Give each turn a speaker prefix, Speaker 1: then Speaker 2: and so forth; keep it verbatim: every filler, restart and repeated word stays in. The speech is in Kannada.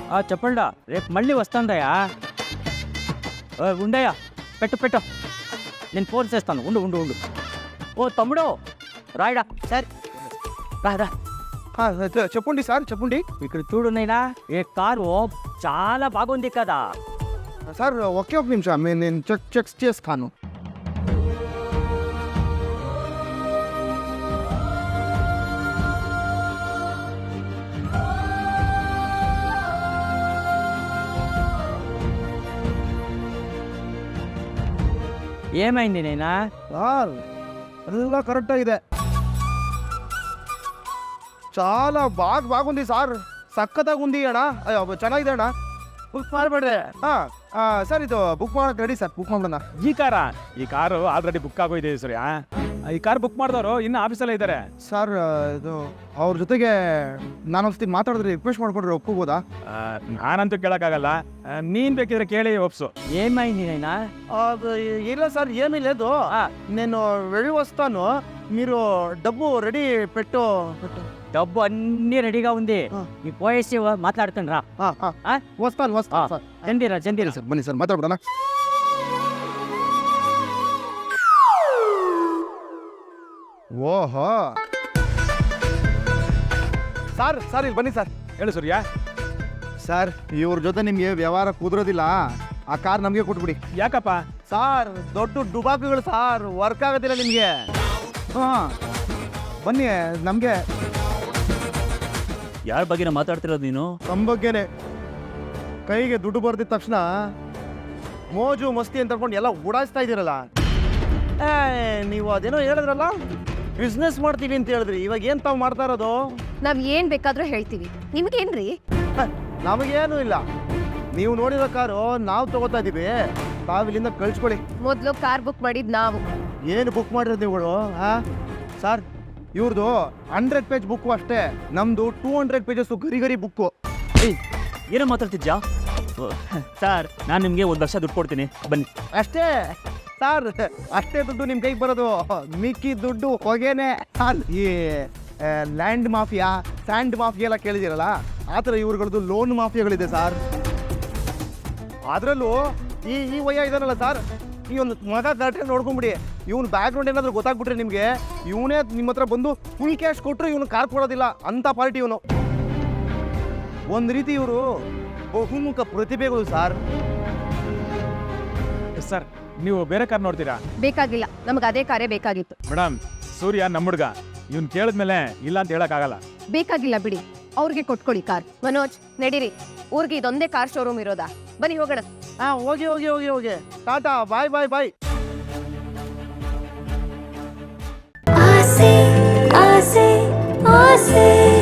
Speaker 1: చెప్పండా రేపు మళ్ళీ వస్తాందయ్యా. ఉండయ్యా, పెట్టు పెట్టు, నేను ఫోన్ చేస్తాను. ఉండు ఉండు ఉండు. ఓ తమ్ముడు రాయడా. సరే రా రా.
Speaker 2: చెప్పండి సార్, చెప్పండి.
Speaker 1: ఇక్కడ చూడు నైనా, ఈ కారు చాలా బాగుంది కదా
Speaker 2: సార్. ఒకే ఒక నిమిషం, నేను చెక్ చెక్ చేస్తాను.
Speaker 1: ఏమైంది నైనా?
Speaker 2: సార్ ಎಲ್ಲ ಕರೆಕ್ಟ್ ಆಗಿದೆ, చాలా బాగా బాగుంది సార్. సక్కತ್ತಾగా ఉంది అಣ್ಣ. ಅಯ್ಯೋ ಚೆನ್ನಾಗಿದೆ ಅಣ್ಣ.
Speaker 1: ಬುಕ್ ಮಾಡಬೇಡ್ರೆ.
Speaker 2: ಹಾಂ ಸರ್, ಇದು ಬುಕ್ ಮಾಡೋಕೆ ರೆಡಿ ಸರ್. ಬುಕ್ ಮಾಡೋಣ.
Speaker 3: ಈ ಕಾರ ಈ ಕಾರು ಆಲ್ರೆಡಿ ಬುಕ್ ಆಗೋಗಿದೆ ಸರ್. ಈ ಕಾರ್ ಬುಕ್ ಮಾಡಿದವರು ಇನ್ನು ಆಫೀಸಲ್ಲೇ ಇದ್ದಾರೆ
Speaker 2: ಸರ್. ಇದು ಅವ್ರ ಜೊತೆಗೆ ನಾನು ಒಂದ್ಸತಿ ಮಾತಾಡಿದ್ರೆ ರಿಕ್ವೆಸ್ಟ್ ಮಾಡ್ಕೊಂಡ್ರೆ ಒಪ್ಕೋಬೋದಾ?
Speaker 3: ನಾನಂತೂ ಕೇಳೋಕ್ಕಾಗಲ್ಲ, ನೀನು ಬೇಕಿದ್ರೆ ಕೇಳಿ ಒಪ್ಸು.
Speaker 1: ఏమైంది నైనా?
Speaker 2: ಇಲ್ಲ సార్, ఏమీ లేదు. నేను వెళ్ళి వస్తాను, మీరు డబ్బు రెడీ పెట్టు.
Speaker 1: డబ్బు అన్ని రెడీగా ఉంది, నీ పోయేసి మాట్లాడుతాను రా.
Speaker 2: వస్తాను వస్తాను.
Speaker 1: చందీరా చందీరా.
Speaker 2: సార్ బನ್ನಿ ಸರ್, ಮಾತಾಡ್ಬಿಡೋಣ. ಓಹೋ ಸರ್, ಸರ್ ಇಲ್ಲಿ ಬನ್ನಿ ಸರ್.
Speaker 3: ಹೇಳು ಸೂರ್ಯ.
Speaker 2: ಸರ್, ಇವ್ರ ಜೊತೆ ನಿಮಗೆ ವ್ಯವಹಾರ ಕುದುರೋದಿಲ್ಲ, ಆ ಕಾರ್ ನಮಗೆ ಕೊಟ್ಬಿಡಿ.
Speaker 3: ಯಾಕಪ್ಪ?
Speaker 2: ಸಾರ್ ದೊಡ್ಡ ಡುಬಾಕುಗಳು ಸಾರ್, ವರ್ಕ್ ಆಗೋದಿಲ್ಲ ನಿಮಗೆ. ಹಾಂ ಬನ್ನಿ, ನಮಗೆ
Speaker 1: ಯಾರ ಬಗ್ಗೆ ಮಾತಾಡ್ತಿರೋದು ನೀನು?
Speaker 2: ನಮ್ಮ ಬಗ್ಗೆನೆ. ಕೈಗೆ ದುಡ್ಡು ಬರ್ದಿದ ತಕ್ಷಣ ಮೋಜು ಮಸ್ತಿ ಅಂತ ಅನ್ಕೊಂಡು ಎಲ್ಲ ಉಡಾಯಿಸ್ತಾ ಇದ್ದೀರಲ್ಲ. ಏ ನೀವು ಅದೇನೋ ಹೇಳಿದ್ರಲ್ಲ, ಬಿಸ್ನೆಸ್ ಮಾಡ್ತೀವಿ ಅಂತ ಹೇಳಿದ್ರಿ, ಇವಾಗ ಏನ್ ತಾವು ಮಾಡ್ತಾ ಇರೋದು?
Speaker 4: ನಾವ್ ಏನ್ ಬೇಕಾದ್ರೂ ಹೇಳ್ತೀವಿ, ನಿಮ್ಗೇನ್ರಿ?
Speaker 2: ನಮಗೇನು ಇಲ್ಲ, ನೀವು ನೋಡಿರೋ ಕಾರು ನಾವು ತಗೋತಾ ಇದೀವಿ, ತಾವು ಇಲ್ಲಿಂದ ಕಳ್ಸ್ಕೊಳ್ಳಿ.
Speaker 4: ಮೊದ್ಲು ಕಾರ್ ಬುಕ್ ಮಾಡಿದ್ ನಾವು.
Speaker 2: ಏನು ಬುಕ್ ಮಾಡಿರೋದು ನೀವುಗಳು? ಹಾ ಸರ್, ಇವ್ರದ್ದು ಹಂಡ್ರೆಡ್ ಪೇಜ್ ಬುಕ್ಕು ಅಷ್ಟೇ, ನಮ್ದು ಟೂ ಹಂಡ್ರೆಡ್ ಪೇಜಸ್ ಗರಿ ಗರಿ ಬುಕ್ಕು.
Speaker 1: ಏನೋ ಮಾತಾಡ್ತಿದ್ಯಾ? ಸರ್, ನಾನು ನಿಮಗೆ ಒಂದು ಲಕ್ಷ ದುಡ್ಡು ಕೊಡ್ತೀನಿ, ಬನ್ನಿ.
Speaker 2: ಅಷ್ಟೇ ಸರ್, ಅಷ್ಟೇ ದುಡ್ಡು ನಿಮ್ಮ ಕೈಗೆ ಬರೋದು, ಮಿಕ್ಕಿ ದುಡ್ಡು ಹೊಗೆನೆ. ಈ ಲ್ಯಾಂಡ್ ಮಾಫಿಯಾ, ಸ್ಯಾಂಡ್ ಮಾಫಿಯಾ ಎಲ್ಲ ಕೇಳಿದಿರಲ್ಲ, ಆ ಥರ ಇವ್ರುಗಳದ್ದು ಲೋನ್ ಮಾಫಿಯಾಗಳಿದೆ ಸರ್. ಅದರಲ್ಲೂ ಈ ಈ ವಯ್ಯ ಇದಾನಲ್ಲ ಸರ್, ಈ ಒಂದು ಮಗ ಕರೆಕ್ಟಾಗಿ ನೋಡ್ಕೊಂಬಿಡಿ. ಇವ್ನು ಬ್ಯಾಕ್ಗ್ರೌಂಡ್ ಏನಾದರೂ ಗೊತ್ತಾಗ್ಬಿಟ್ರೆ ನಿಮಗೆ, ಇವನೇ ನಿಮ್ಮ ಹತ್ರ ಬಂದು ಫುಲ್ ಕ್ಯಾಶ್ ಕೊಟ್ಟರು ಇವನು ಕಾರ್ ಕೊಡೋದಿಲ್ಲ ಅಂಥ ಪಾರ್ಟಿ ಇವನು. ಒಂದು ರೀತಿ ಇವರು ಬಹುಮುಖ ಪ್ರತಿಭೆಗಳು ಸರ್.
Speaker 3: ಸರ್, ನೀವು ಬೇರೆ ಕಾರ್ ನೋಡ್ತೀರಾ?
Speaker 4: ಬೇಕಾಗಿಲ್ಲ, ನಮ್ಗೆ ಅದೇ ಕಾರೇ ಬೇಕಾಗಿತ್ತು.
Speaker 3: ಮೇಡಮ್, ಸೂರ್ಯ ನಮ್ಮ ಹುಡುಗ, ಇವ್ನು ಕೇಳಿದ್ಮೇಲೆ ಇಲ್ಲ ಅಂತ ಹೇಳಕ್ಕಾಗಲ್ಲ.
Speaker 4: ಬೇಕಾಗಿಲ್ಲ ಬಿಡಿ, ಅವ್ರಿಗೆ ಕೊಟ್ಕೊಳ್ಳಿ ಕಾರ್. ಮನೋಜ್ ನಡೀರಿ, ಊರಿಗೆ ಇದೊಂದೇ ಕಾರ್ ಶೋರೂಮ್ ಇರೋದಾ? ಬನ್ನಿ ಹೋಗೋಣ.
Speaker 2: ಹಾ ಹೋಗಿ ಹೋಗಿ ಹೋಗಿ ಹೋಗಿ ಟಾಟಾ, ಬಾಯ್ ಬಾಯ್ ಬಾಯ್.
Speaker 5: ಆಸೆ ಆಸೆ ಆಸೆ